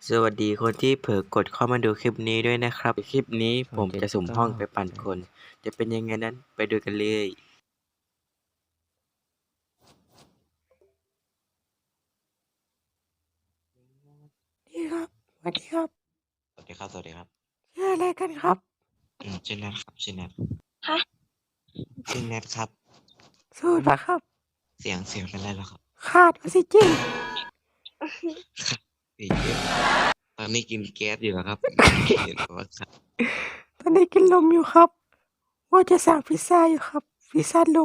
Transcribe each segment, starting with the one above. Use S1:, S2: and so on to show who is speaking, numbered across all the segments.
S1: สวัสดีคนที่เผลอกดเข้ามาดูคลิปนี้ด้วยนะครับ คลิปนี้ผมจะสุ่มห้องไปปั่นคน จะเป็นยังไงนั้นไปดูกันเลย
S2: ดีครับสวัสดีครับ
S1: สวัสดีครับ สวัสดีครับ
S2: ชื่ออะไรกันครับ
S1: ชื่อแนทครับชื่อแนท
S3: ฮะ
S1: ชื่อแนทครับ
S2: สูดปะครับ
S1: เสียงเป็นไรแล้วครับ
S2: ขาดออกซิเจน
S1: สีเยอะตอนนี้กินแก๊สอยู่ครับเห็นว่าครับ
S2: ตอนนี้กินลมอยู่ครับ ว่าจะสั่งพิซซ่าอยู่ครับ พิซซ่าลม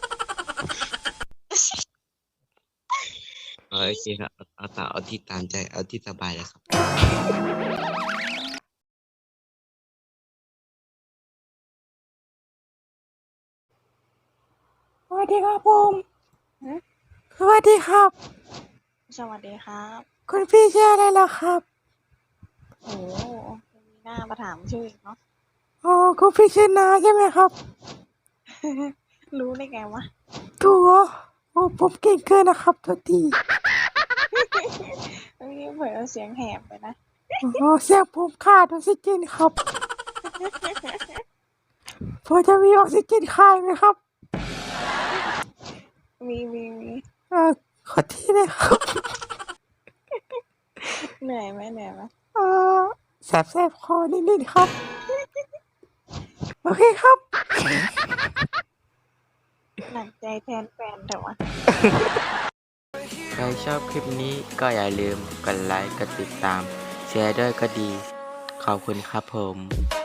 S1: โอเคครับเอาที่ตามใจเอาที่สบายเลยครับ
S2: สวัสดีครับผมสวัสดีครับ
S3: สวัสดีครับ
S2: คุณพี่ชื่ออะไรล่ะครับ
S3: โอ้มีหน้ามาถามชื่ออีกเนาะ
S2: อ๋อคุณพี่ชื่อนาใช่ไหมครับ
S3: รู้ได้ไงวะ
S2: ถูกเหรอโอ้ผมเก่งเกินนะครับตัวที
S3: เมื่อกี้เผลอเสียงแหบไปนะ
S2: อ๋อเสียงผมขาดออกซิเจนครับพอจะมีออกซิเจนขายไหมครับ
S3: มี
S2: เออขอที่เลยครับ
S3: เหนื่อยไหม
S2: เออแสบคอนิดๆครับ โอเคครับ
S3: หนักใจแทนแฟนแต่ว่า
S1: ใครชอบคลิปนี้ก็อย่าลืมกดไลค์กดติดตามแชร์ด้วยก็ดี ขอบคุณครับผม